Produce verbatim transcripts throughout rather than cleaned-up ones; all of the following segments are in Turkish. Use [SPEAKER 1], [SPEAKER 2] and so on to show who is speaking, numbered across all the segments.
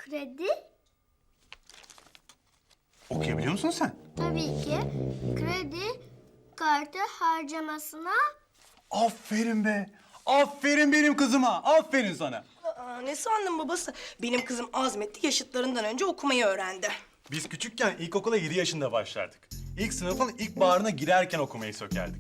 [SPEAKER 1] kredi?
[SPEAKER 2] Okuyabiliyor musun sen?
[SPEAKER 1] Tabii ki. Kredi kartı harcamasına
[SPEAKER 2] Aferin be. Aferin benim kızıma. Aferin sana.
[SPEAKER 3] Aa, ne sandın babası? Benim kızım azmetti, yaşıtlarından önce okumayı öğrendi.
[SPEAKER 2] Biz küçükken ilkokula yedi yaşında başlardık. İlk sınıfın ilk bağrına girerken okumayı sökerdik.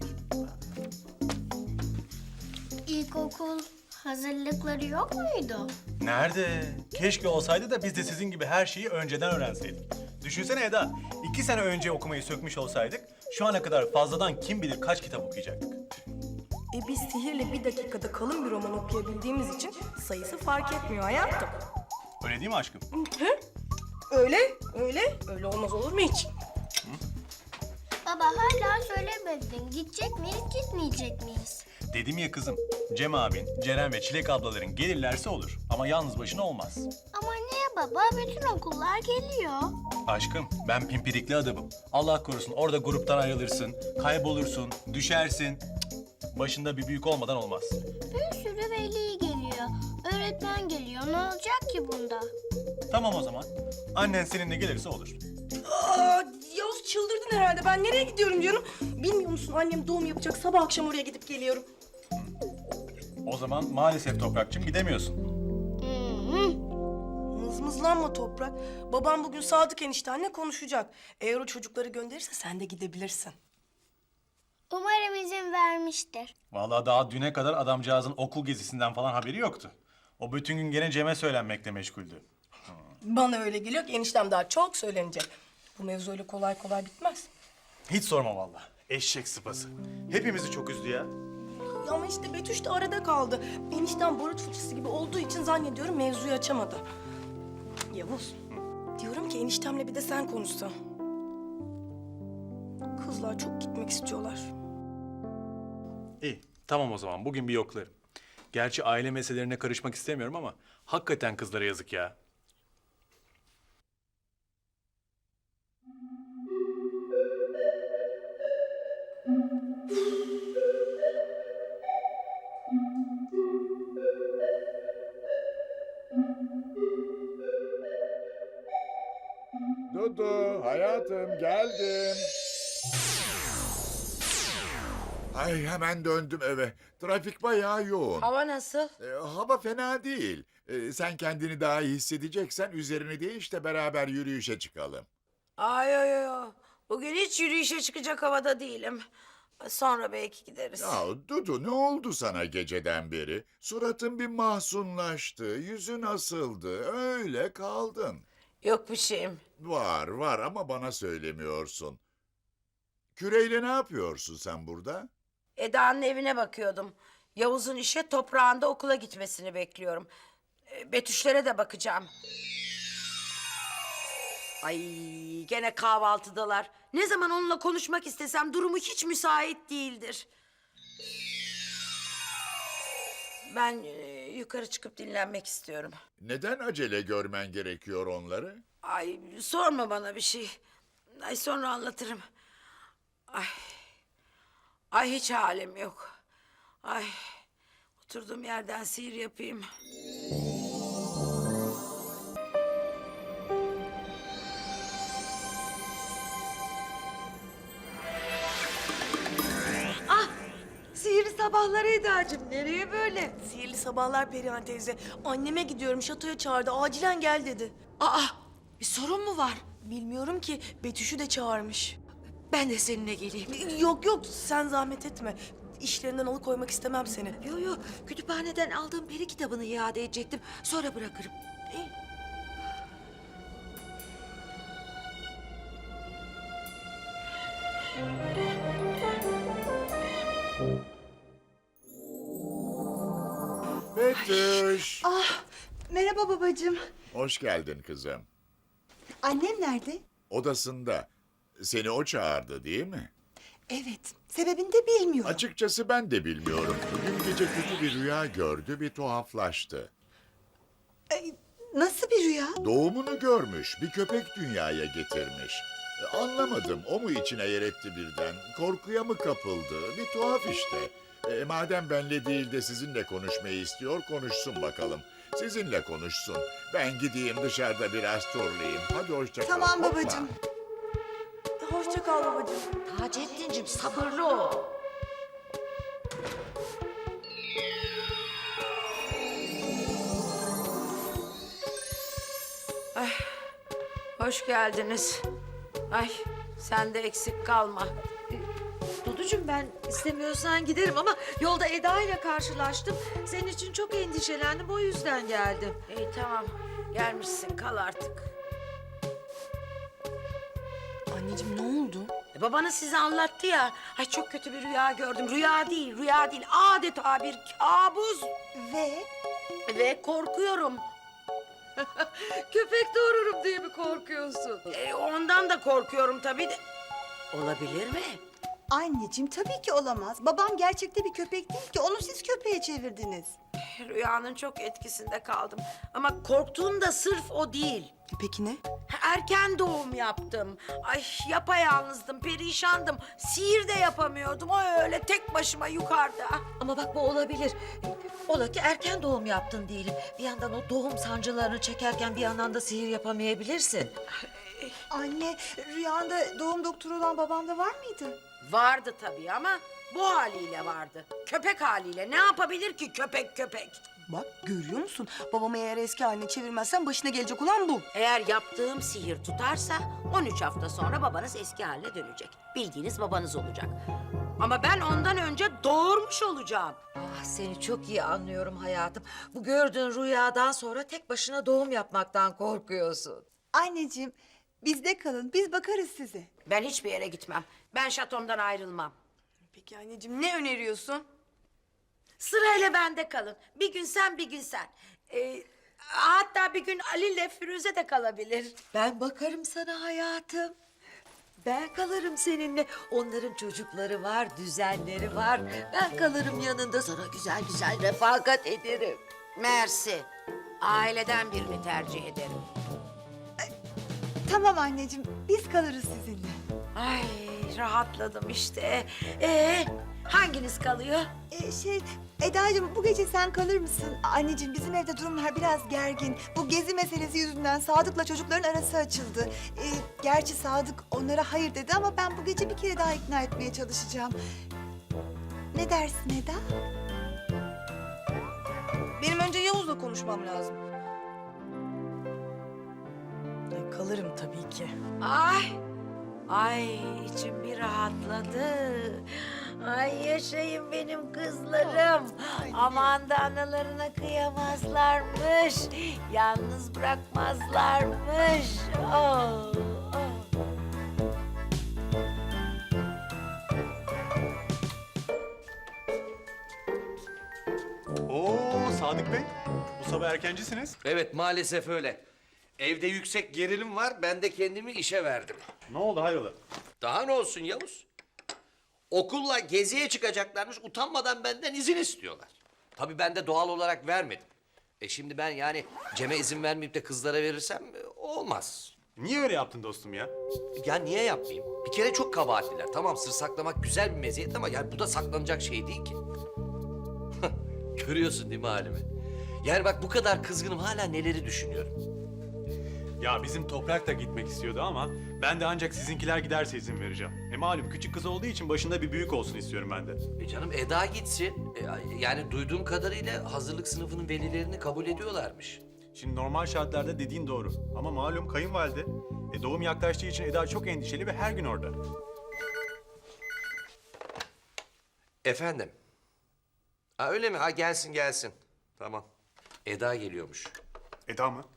[SPEAKER 1] ilkokul hazırlıkları yok muydu?
[SPEAKER 2] Nerede? Keşke olsaydı da biz de sizin gibi her şeyi önceden öğrenseydik. Düşünsene Eda, iki sene önce okumayı sökmüş olsaydık, şu ana kadar fazladan kim bilir kaç kitap okuyacaktık.
[SPEAKER 3] E biz sihirle bir dakikada kalın bir roman okuyabildiğimiz için sayısı fark etmiyor hayatım.
[SPEAKER 2] Öyle değil mi aşkım?
[SPEAKER 3] Hı? Öyle, öyle. Öyle olmaz olur mu hiç?
[SPEAKER 1] Baba hala söylemedin. Gidecek miyiz, gitmeyecek miyiz?
[SPEAKER 2] Dedim ya kızım, Cem abin, Ceren ve Çilek ablaların gelirlerse olur. Ama yalnız başına olmaz.
[SPEAKER 1] Ama niye baba? Bütün okullar geliyor.
[SPEAKER 2] Aşkım, ben pimpirikli adamım. Allah korusun orada gruptan ayrılırsın, kaybolursun, düşersin. Cık, başında bir büyük olmadan olmaz.
[SPEAKER 1] Bir sürü veli geliyor. Öğretmen geliyor. Ne olacak ki bunda?
[SPEAKER 2] Tamam o zaman. Annen seninle gelirse olur.
[SPEAKER 3] Aa, Yavuz çıldırdın herhalde. Ben nereye gidiyorum canım? Bilmiyor musun annem doğum yapacak. Sabah akşam oraya gidip geliyorum.
[SPEAKER 2] O zaman maalesef Toprakçım gidemiyorsun.
[SPEAKER 3] Mızmızlanma Toprak. Babam bugün Sadık eniştenle konuşacak. Eğer o çocukları gönderirse sen de gidebilirsin.
[SPEAKER 1] Umarım izin vermiştir.
[SPEAKER 2] Vallahi daha düne kadar adamcağızın okul gezisinden falan haberi yoktu. O bütün gün gene Cem'e söylenmekle meşguldü.
[SPEAKER 3] Bana öyle geliyor ki eniştem daha çok söylenecek. Bu mevzu öyle kolay kolay bitmez.
[SPEAKER 2] Hiç sorma vallahi. Eşek sıpası. Hepimizi çok üzdü ya.
[SPEAKER 3] Ya ama işte Betüş de arada kaldı. Eniştem barut fıçısı gibi olduğu için zannediyorum mevzuyu açamadı. Yavuz, diyorum ki eniştemle bir de sen konuşsan. Kızlar çok gitmek istiyorlar.
[SPEAKER 2] İyi, tamam o zaman. Bugün bir yoklarım. Gerçi aile meselelerine karışmak istemiyorum ama hakikaten kızlara yazık ya.
[SPEAKER 4] Dudu, hayatım geldim. Ay hemen döndüm eve. Trafik bayağı yoğun.
[SPEAKER 5] Hava nasıl?
[SPEAKER 4] Ee, hava fena değil. Ee, sen kendini daha iyi hissedeceksen üzerini değiş de beraber yürüyüşe çıkalım.
[SPEAKER 5] Ay ay ay, ay. Bugün hiç yürüyüşe çıkacak havada değilim. Sonra belki gideriz.
[SPEAKER 4] Ya Dudu ne oldu sana geceden beri? Suratın bir mahzunlaştı, yüzün asıldı, öyle kaldın.
[SPEAKER 5] Yok bir şeyim.
[SPEAKER 4] Var var ama bana söylemiyorsun. Küreyle ne yapıyorsun sen burada?
[SPEAKER 5] Eda'nın evine bakıyordum. Yavuz'un işe toprağında okula gitmesini bekliyorum. E, Betüşlere de bakacağım. Ay gene kahvaltıdalar. Ne zaman onunla konuşmak istesem durumu hiç müsait değildir. Ben e, yukarı çıkıp dinlenmek istiyorum.
[SPEAKER 4] Neden acele görmen gerekiyor onları?
[SPEAKER 5] Ay sorma bana bir şey. Ay sonra anlatırım. Ay. Ay hiç halim yok. Ay. Oturduğum yerden sihir yapayım. Ah! Sihirli sabahları Eda'cığım. Nereye böyle?
[SPEAKER 3] Sihirli sabahlar Perihan teyze. Anneme gidiyorum, şatoya çağırdı. Acilen gel dedi.
[SPEAKER 5] Aa! Bir sorun mu var?
[SPEAKER 3] Bilmiyorum ki, Betüş'ü de çağırmış.
[SPEAKER 5] Ben de seninle geleyim.
[SPEAKER 3] Yok yok, sen zahmet etme. İşlerinden alıkoymak istemem seni.
[SPEAKER 5] Yo yo, kütüphaneden aldığım peri kitabını iade edecektim. Sonra bırakırım.
[SPEAKER 3] İyi.
[SPEAKER 4] Betüş.
[SPEAKER 6] Ah, merhaba babacığım.
[SPEAKER 4] Hoş geldin kızım.
[SPEAKER 6] Annem nerede?
[SPEAKER 4] Odasında. Seni o çağırdı değil mi?
[SPEAKER 6] Evet, sebebini de bilmiyorum.
[SPEAKER 4] Açıkçası ben de bilmiyorum. Dün gece kötü bir rüya gördü, bir tuhaflaştı.
[SPEAKER 6] Ay, nasıl bir rüya?
[SPEAKER 4] Doğumunu görmüş, bir köpek dünyaya getirmiş. E, Anlamadım, o mu içine yer etti birden? Korkuya mı kapıldı? Bir tuhaf işte. E, madem benle değil de sizinle konuşmayı istiyor, konuşsun bakalım. Sizinle konuşsun. Ben gideyim dışarıda biraz turlayayım. Hadi hoşça kal.
[SPEAKER 6] Tamam
[SPEAKER 4] Hoppa.
[SPEAKER 6] babacığım.
[SPEAKER 3] Hoşça kal babacığım.
[SPEAKER 5] Taceddin'cim sabırlı ol. Ay, hoş geldiniz. Ay, sen de eksik kalma.
[SPEAKER 7] Duducuğum ben istemiyorsan giderim ama yolda Eda ile karşılaştım. Senin için çok endişelendim o yüzden geldim.
[SPEAKER 5] İyi tamam, gelmişsin kal artık.
[SPEAKER 3] Anneciğim ne oldu?
[SPEAKER 5] E, babanız size anlattı ya. Ay çok kötü bir rüya gördüm. Rüya değil, rüya değil. Adeta bir kabus.
[SPEAKER 6] Ve
[SPEAKER 5] Ve korkuyorum.
[SPEAKER 7] Köpek doğururum diye mi korkuyorsun?
[SPEAKER 5] E, ondan da korkuyorum tabii de. Olabilir mi?
[SPEAKER 6] anneciğim tabii ki olamaz. Babam gerçekte bir köpek değil ki. Onu siz köpeğe çevirdiniz.
[SPEAKER 5] Rüyanın çok etkisinde kaldım. Ama korktuğum da sırf o değil.
[SPEAKER 3] Peki ne?
[SPEAKER 5] Erken doğum yaptım. Ay yapayalnızdım, perişandım. Sihir de yapamıyordum. O öyle tek başıma yukarıda.
[SPEAKER 7] Ama bak bu olabilir. Ola ki erken doğum yaptın diyelim. Bir yandan o doğum sancılarını çekerken bir yandan da sihir yapamayabilirsin.
[SPEAKER 6] Anne, rüyanda doğum doktoru olan babam da var mıydı?
[SPEAKER 5] Vardı tabii ama bu haliyle vardı. Köpek haliyle. Ne yapabilir ki köpek köpek?
[SPEAKER 3] Bak görüyor musun? Babamı eğer eski haline çevirmezsen başına gelecek olan bu.
[SPEAKER 5] Eğer yaptığım sihir tutarsa on üç hafta sonra babanız eski haline dönecek. Bildiğiniz babanız olacak. Ama ben ondan önce doğurmuş olacağım.
[SPEAKER 7] Ah seni çok iyi anlıyorum hayatım. Bu gördüğün rüyadan sonra tek başına doğum yapmaktan korkuyorsun.
[SPEAKER 6] Anneciğim, bizde kalın. Biz bakarız size.
[SPEAKER 5] Ben hiçbir yere gitmem. Ben şatomdan ayrılmam.
[SPEAKER 3] Peki anneciğim ne öneriyorsun?
[SPEAKER 5] Sırayla bende kalın. Bir gün sen, bir gün sen. Ee, hatta bir gün Ali ile Firuze de kalabilir.
[SPEAKER 7] Ben bakarım sana hayatım. Ben kalırım seninle. Onların çocukları var, düzenleri var. Ben kalırım yanında sana güzel güzel refakat ederim.
[SPEAKER 5] Mersi. Aileden birini tercih ederim.
[SPEAKER 6] Tamam anneciğim, biz kalırız sizinle.
[SPEAKER 5] Ay rahatladım işte. Ee, hanginiz kalıyor?
[SPEAKER 6] Ee, şey, Eda'cığım bu gece sen kalır mısın? Anneciğim bizim evde durumlar biraz gergin. Bu gezi meselesi yüzünden Sadık'la çocukların arası açıldı. Ee, gerçi Sadık onlara hayır dedi ama ben bu gece bir kere daha ikna etmeye çalışacağım. Ne dersin Eda?
[SPEAKER 3] Benim önce Yavuz'la konuşmam lazım. Ay, kalırım tabii ki.
[SPEAKER 5] Ay, ay içim bir rahatladı. Ay yaşayın benim kızlarım. Aman da analarına kıyamazlarmış. Yalnız bırakmazlarmış. Oh, oh.
[SPEAKER 2] Oo Sadık Bey, bu sabah erkencisiniz.
[SPEAKER 8] Evet maalesef öyle. Evde yüksek gerilim var, ben de kendimi işe verdim.
[SPEAKER 2] Ne oldu hayrola?
[SPEAKER 8] Daha ne olsun Yavuz? Okulla geziye çıkacaklarmış, utanmadan benden izin istiyorlar. Tabii ben de doğal olarak vermedim. E şimdi ben yani Cem'e izin vermeyip de kızlara verirsem e, olmaz.
[SPEAKER 2] Niye öyle yaptın dostum ya?
[SPEAKER 8] Ya niye yapmayayım? Bir kere çok kabahatliler. Tamam sır saklamak güzel bir meziyet ama yani bu da saklanacak şey değil ki. Görüyorsun değil mi halimi? Yani bak bu kadar kızgınım hala neleri düşünüyorum.
[SPEAKER 2] Ya bizim Toprak da gitmek istiyordu ama ben de ancak sizinkiler giderse izin vereceğim. E malum küçük kız olduğu için başında bir büyük olsun istiyorum ben de.
[SPEAKER 8] E canım Eda gitsin. E, yani duyduğum kadarıyla hazırlık sınıfının velilerini kabul ediyorlarmış.
[SPEAKER 2] Şimdi normal şartlarda dediğin doğru ama malum kayınvalide. E doğum yaklaştığı için Eda çok endişeli ve her gün orada.
[SPEAKER 8] Efendim? Ha öyle mi? Ha gelsin gelsin. Tamam. Eda geliyormuş.
[SPEAKER 2] Eda mı?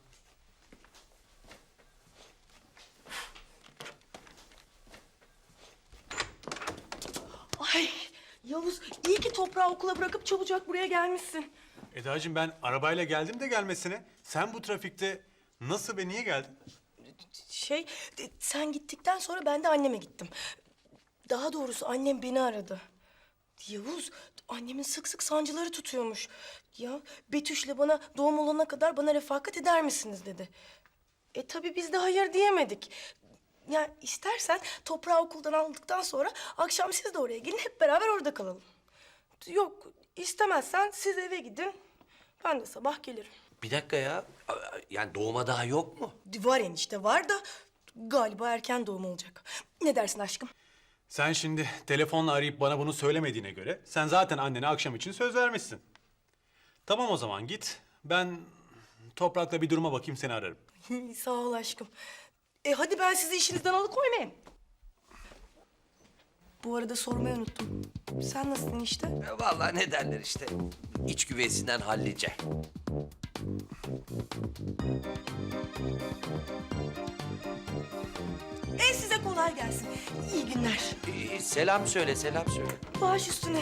[SPEAKER 3] Ay Yavuz iyi ki toprağı okula bırakıp çabucak buraya gelmişsin.
[SPEAKER 2] Edacığım ben arabayla geldim de gelmesine. Sen bu trafikte nasıl ve niye geldin?
[SPEAKER 3] Şey e, sen gittikten sonra ben de anneme gittim. Daha doğrusu annem beni aradı. Yavuz annemin sık sık sancıları tutuyormuş. Ya Betüş'le bana doğum olana kadar bana refakat eder misiniz dedi. E tabii biz de hayır diyemedik. Ya istersen toprağı okuldan aldıktan sonra akşam siz de oraya gelin hep beraber orada kalalım. Yok, istemezsen siz eve gidin. Ben de sabah gelirim.
[SPEAKER 8] Bir dakika ya. Aa, Yani doğuma daha yok mu?
[SPEAKER 3] Var enişte var da galiba erken doğum olacak. Ne dersin aşkım?
[SPEAKER 2] Sen şimdi telefonla arayıp bana bunu söylemediğine göre sen zaten annene akşam için söz vermişsin. Tamam o zaman git. Ben Toprak'la bir duruma bakayım seni ararım.
[SPEAKER 3] Sağ ol aşkım. E hadi ben sizi işinizden alıkoymayayım. Bu arada sormayı unuttum. Sen nasılsın işte?
[SPEAKER 8] E, Vallahi ne derler işte. İç güveysinden hallice.
[SPEAKER 3] E size kolay gelsin. İyi günler.
[SPEAKER 8] Ee, selam söyle, selam söyle.
[SPEAKER 3] Baş üstüne.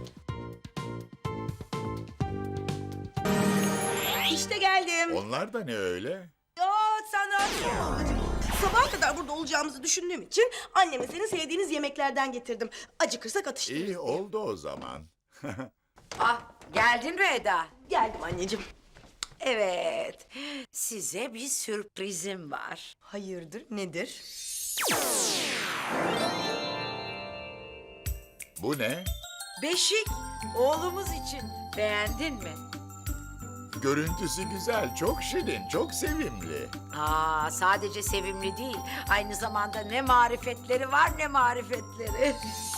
[SPEAKER 3] İşte geldim.
[SPEAKER 4] Onlar da ne öyle?
[SPEAKER 3] Ya sen rahat ol babacığım. Sabaha kadar burada olacağımızı düşündüğüm için anneme senin sevdiğiniz yemeklerden getirdim. Acıkırsak atıştırırız.
[SPEAKER 4] İyi oldu o zaman.
[SPEAKER 5] Ah, geldin mi Eda?
[SPEAKER 3] Geldim anneciğim.
[SPEAKER 5] Evet. Size bir sürprizim var.
[SPEAKER 3] Hayırdır, nedir?
[SPEAKER 4] Bu ne?
[SPEAKER 5] Beşik, oğlumuz için. Beğendin mi?
[SPEAKER 4] Görüntüsü güzel, çok şirin, çok sevimli.
[SPEAKER 5] Aa, sadece sevimli değil. Aynı zamanda ne marifetleri var ne marifetleri.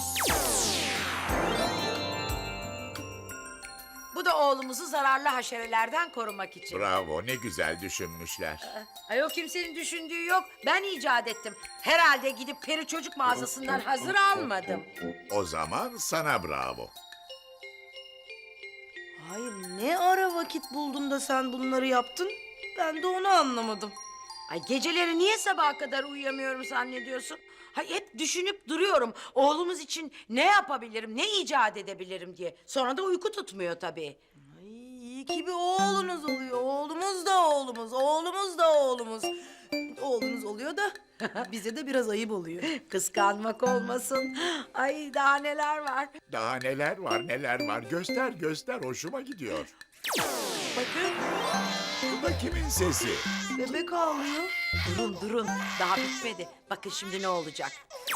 [SPEAKER 5] Bu da oğlumuzu zararlı haşerelerden korumak için.
[SPEAKER 4] Bravo, ne güzel düşünmüşler.
[SPEAKER 5] Ay o kimsenin düşündüğü yok. Ben icat ettim. Herhalde gidip peri çocuk mağazasından hazır almadım.
[SPEAKER 4] O zaman sana bravo.
[SPEAKER 3] Hayır, ne ara vakit buldun da sen bunları yaptın? Ben de onu anlamadım.
[SPEAKER 5] Ay geceleri niye sabaha kadar uyuyamıyorum zannediyorsun? Hay hep düşünüp duruyorum. Oğlumuz için ne yapabilirim, ne icat edebilirim diye. Sonra da uyku tutmuyor tabii.
[SPEAKER 3] Ay, iyi ki bir oğlunuz oluyor. Oğlumuz da oğlumuz, oğlumuz da oğlumuz. Oğlunuz oluyor da bize de biraz ayıp oluyor.
[SPEAKER 5] Kıskanmak olmasın. Ay daha neler var.
[SPEAKER 4] Daha neler var, neler var. Göster, göster. Hoşuma gidiyor.
[SPEAKER 3] Bakın,
[SPEAKER 4] Bu da kimin sesi?
[SPEAKER 3] bebek ağlıyor.
[SPEAKER 5] Durun durun daha bitmedi. Bakın şimdi ne olacak.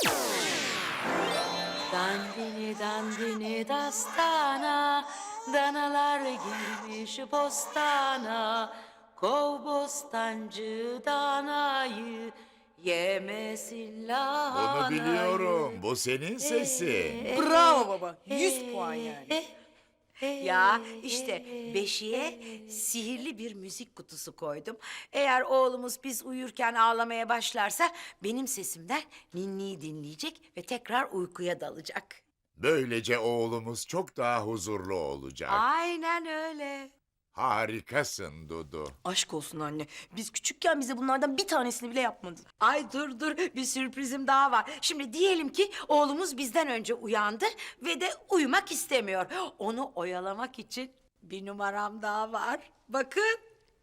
[SPEAKER 5] Dandini dandini dastana, danalar girmiş bostana. Kov bostancı danayı, yemesin lahanayı.
[SPEAKER 4] Bunu biliyorum. Bu senin sesi.
[SPEAKER 3] Bravo baba, yüz puan yani.
[SPEAKER 5] Ya işte beşiğe sihirli bir müzik kutusu koydum. Eğer oğlumuz biz uyurken ağlamaya başlarsa benim sesimden ninniyi dinleyecek ve tekrar uykuya dalacak.
[SPEAKER 4] Böylece oğlumuz çok daha huzurlu olacak.
[SPEAKER 5] Aynen öyle.
[SPEAKER 4] Harikasın Dudu.
[SPEAKER 3] Aşk olsun anne. Biz küçükken bize bunlardan bir tanesini bile yapmadın.
[SPEAKER 5] Ay dur dur bir sürprizim daha var. Şimdi diyelim ki oğlumuz bizden önce uyandı ve de uyumak istemiyor. Onu oyalamak için bir numaram daha var. Bakın.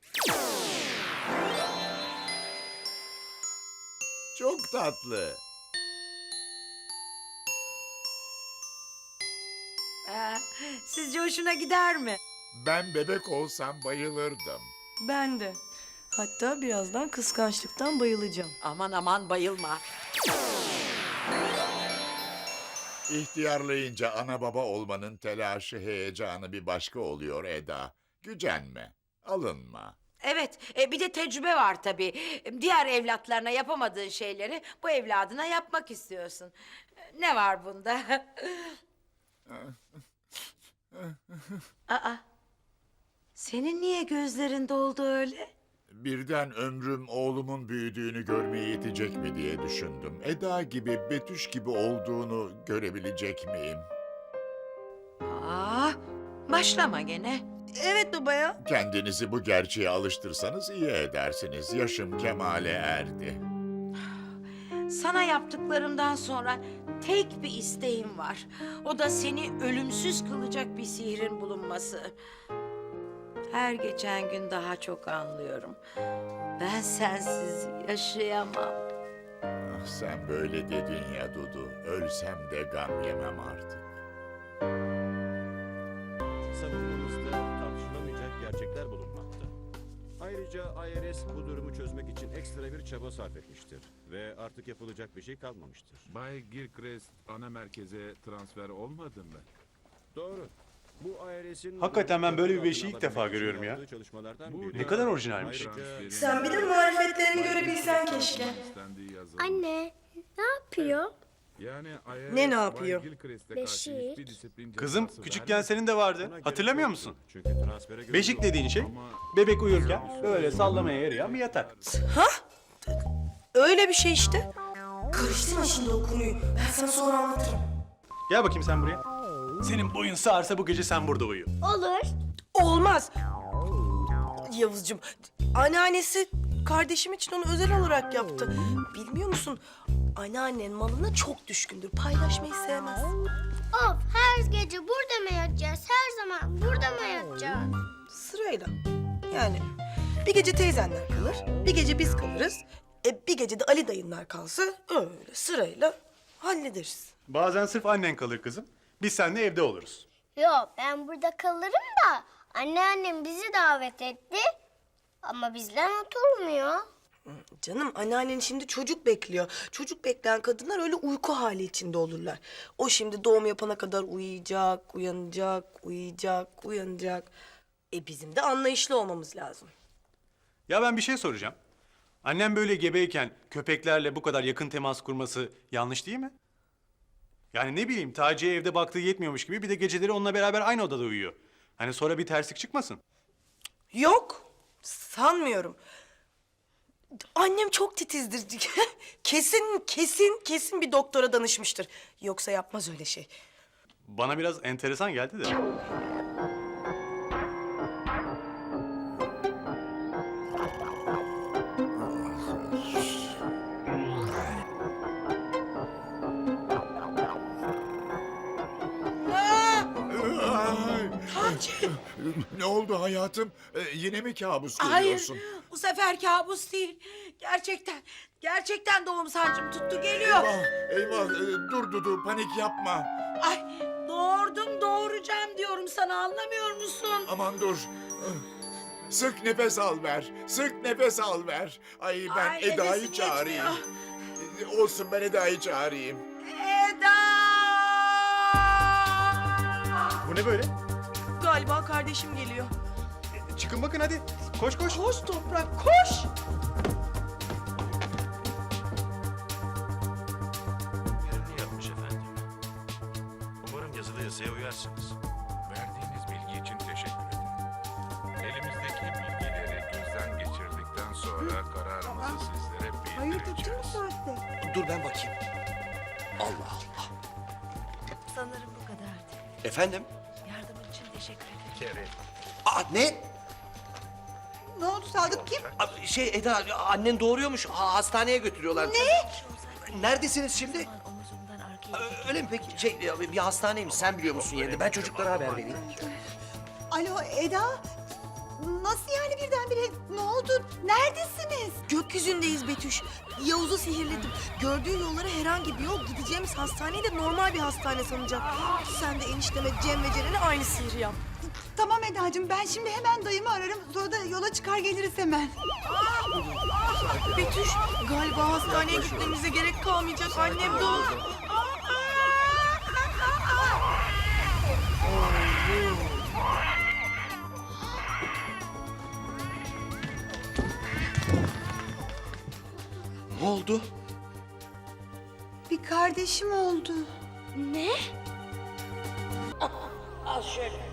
[SPEAKER 4] Çok tatlı.
[SPEAKER 5] Ee, sizce hoşuna gider mi?
[SPEAKER 4] Ben bebek olsam bayılırdım.
[SPEAKER 3] Ben de. Hatta birazdan kıskançlıktan bayılacağım.
[SPEAKER 5] Aman aman bayılma.
[SPEAKER 4] İhtiyarlayınca ana baba olmanın telaşı, heyecanı bir başka oluyor Eda. Gücenme, alınma.
[SPEAKER 5] Evet, e, bir de tecrübe var tabii. Diğer evlatlarına yapamadığın şeyleri bu evladına yapmak istiyorsun. Ne var bunda? Aa, senin niye gözlerin doldu öyle?
[SPEAKER 4] Birden ömrüm oğlumun büyüdüğünü görmeye yetecek mi diye düşündüm. Eda gibi, Betüş gibi olduğunu görebilecek miyim?
[SPEAKER 5] Aa, başlama gene.
[SPEAKER 3] Evet baba ya.
[SPEAKER 4] Kendinizi bu gerçeğe alıştırsanız iyi edersiniz. Yaşım kemale erdi.
[SPEAKER 5] Sana yaptıklarımdan sonra tek bir isteğim var. O da seni ölümsüz kılacak bir sihrin bulunması. Her geçen gün daha çok anlıyorum. Ben sensiz yaşayamam.
[SPEAKER 4] Ah, sen böyle dedin ya Dudu. Ölsem de gam yemem artık.
[SPEAKER 9] Savunmamızda tartışılamayacak gerçekler bulunmakta. Ayrıca I R S bu durumu çözmek için ekstra bir çaba sarf etmiştir ve artık yapılacak bir şey kalmamıştır.
[SPEAKER 10] Bay Gilchrist ana merkeze transfer olmadı mı?
[SPEAKER 9] Doğru. Bu I R S'in
[SPEAKER 2] Hakikaten ben böyle bir beşiği ilk defa görüyorum ya.
[SPEAKER 9] Çalışmalardan
[SPEAKER 2] Ne kadar orijinalmiş.
[SPEAKER 3] Sen bir de marifetlerini görebilsen keşke.
[SPEAKER 1] Anne, ne yapıyor?
[SPEAKER 3] Ne ne yapıyor?
[SPEAKER 1] Beşik.
[SPEAKER 2] Kızım küçükken senin de vardı. Hatırlamıyor musun?
[SPEAKER 9] Çünkü transfere göre
[SPEAKER 2] Beşik dediğin şey bebek uyurken böyle sallamaya yarayan bir yatak.
[SPEAKER 3] Öyle bir şey işte. Karıştırma şimdi o konuyu. Ben sana sonra anlatırım.
[SPEAKER 2] Gel bakayım sen buraya. Senin boyun sağarsa bu gece sen burada uyu.
[SPEAKER 1] Olur.
[SPEAKER 3] Olmaz. Yavuzcuğum, anneannesi kardeşim için onu özel olarak yaptı. Bilmiyor musun? Anneannen malına çok düşkündür. Paylaşmayı sevmez.
[SPEAKER 1] Of, her gece burada mı yatacağız? Her zaman burada mı yatacağız?
[SPEAKER 3] Sırayla. Yani bir gece teyzenler kalır, bir gece biz kalırız. E, bir gece de Ali dayınlar kalsa öyle sırayla hallederiz.
[SPEAKER 2] Bazen sırf annen kalır kızım. Biz seninle evde oluruz.
[SPEAKER 1] Yok, ben burada kalırım da anneannem bizi davet etti. Ama bizden oturmuyor.
[SPEAKER 3] Canım anneannen şimdi çocuk bekliyor. Çocuk bekleyen kadınlar öyle uyku hali içinde olurlar. O şimdi doğum yapana kadar uyuyacak, uyanacak, uyuyacak, uyanacak. E bizim de anlayışlı olmamız lazım.
[SPEAKER 2] Ya ben bir şey soracağım. Annem böyle gebeyken köpeklerle bu kadar yakın temas kurması yanlış değil mi? Yani ne bileyim Taci'ye evde baktığı yetmiyormuş gibi bir de geceleri onunla beraber aynı odada uyuyor. Hani sonra bir terslik çıkmasın.
[SPEAKER 3] Yok, sanmıyorum. Annem çok titizdir. kesin, kesin, kesin bir doktora danışmıştır. Yoksa yapmaz öyle şey.
[SPEAKER 2] Bana biraz enteresan geldi de.
[SPEAKER 4] Ne oldu hayatım? Ee, yine mi kabus
[SPEAKER 5] Hayır,
[SPEAKER 4] görüyorsun?
[SPEAKER 5] bu sefer kabus değil. Gerçekten, gerçekten doğum sancım tuttu geliyor.
[SPEAKER 4] Eyvah, eyvah. Ee, dur Dudu, panik yapma.
[SPEAKER 5] Ay, doğurdum doğuracağım diyorum sana, anlamıyor musun?
[SPEAKER 4] Aman dur. Sık nefes al ver. Sık nefes al ver. Ay ben
[SPEAKER 5] Ay,
[SPEAKER 4] Eda'yı
[SPEAKER 5] nefesim
[SPEAKER 4] çağırayım. Ee, Olsun ben Eda'yı çağırayım.
[SPEAKER 5] Eda!
[SPEAKER 2] Bu ne böyle?
[SPEAKER 3] Galiba kardeşim geliyor.
[SPEAKER 2] Çıkın bakın hadi. Koş koş.
[SPEAKER 3] Koş Toprak, koş!
[SPEAKER 9] Yerini yapmış efendim. Umarım yazılı yazıya uyarsınız.
[SPEAKER 10] Verdiğiniz bilgi için teşekkür ederim. Elimizdeki bilgileri gözden geçirdikten sonra kararımızı sizlere bildireceğiz.
[SPEAKER 8] Dur ben bakayım. Allah Allah.
[SPEAKER 7] Sanırım bu kadardı.
[SPEAKER 8] Efendim?
[SPEAKER 7] Yardımın için teşekkür ederim.
[SPEAKER 10] Kere.
[SPEAKER 8] Aa ne?
[SPEAKER 6] Ne oldu Sadık kim?
[SPEAKER 8] Aa, Şey Eda annen doğuruyormuş. Ha, hastaneye götürüyorlar. Ne? Neredesiniz şimdi?
[SPEAKER 7] Omuzumdan arkaya
[SPEAKER 8] Aa, Öyle mi peki? Şey bir hastaneymiş. Sen biliyor musun yerini? Ben çocuklara haber vereyim.
[SPEAKER 6] Alo Eda. Nasıl yani birdenbire? Ne oldu? Neredesiniz?
[SPEAKER 3] Gökyüzündeyiz Betüş. Yavuz'u sihirledim. Gördüğü yollara herhangi bir yol, gideceğimiz hastaneyi de normal bir hastane sanacak. Sen de enişteme Cem ve Ceren'e aynı sihri yap.
[SPEAKER 6] Tamam Eda'cığım ben şimdi hemen dayımı ararım. Sonra da yola çıkar geliriz hemen.
[SPEAKER 3] Betüş, galiba hastaneye gitmemize gerek kalmayacak. Annem doğdu.
[SPEAKER 8] Ne oldu?
[SPEAKER 6] Bir kardeşim oldu.
[SPEAKER 1] Ne?
[SPEAKER 5] Al şöyle.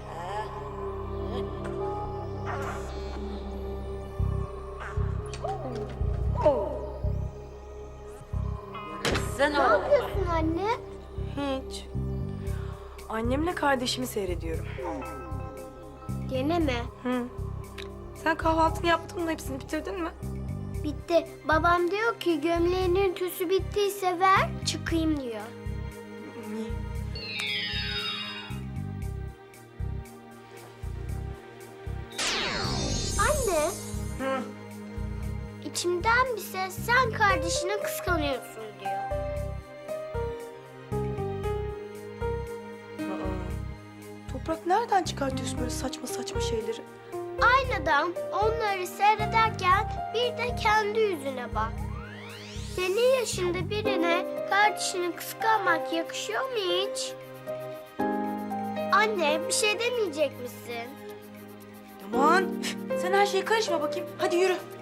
[SPEAKER 1] Ne yapıyorsun anne?
[SPEAKER 3] Hiç. Annemle kardeşimi seyrediyorum.
[SPEAKER 1] Gene mi?
[SPEAKER 3] Hı. Sen kahvaltını yaptın mı? Hepsini bitirdin mi?
[SPEAKER 1] Bitti. Babam diyor ki gömleğinin tüsü bittiyse ver çıkayım diyor. Anne.
[SPEAKER 3] Hı.
[SPEAKER 1] İçimden bir ses sen kardeşini kıskanıyorsun diyor.
[SPEAKER 3] Toprak nereden çıkartıyorsun böyle saçma saçma şeyleri?
[SPEAKER 1] Aynadan onları seyrederken bir de kendi yüzüne bak. Senin yaşında birine kardeşini kıskanmak yakışıyor mu hiç? Anne bir şey demeyecek misin?
[SPEAKER 3] Aman sen her şeye karışma bakayım. Hadi yürü.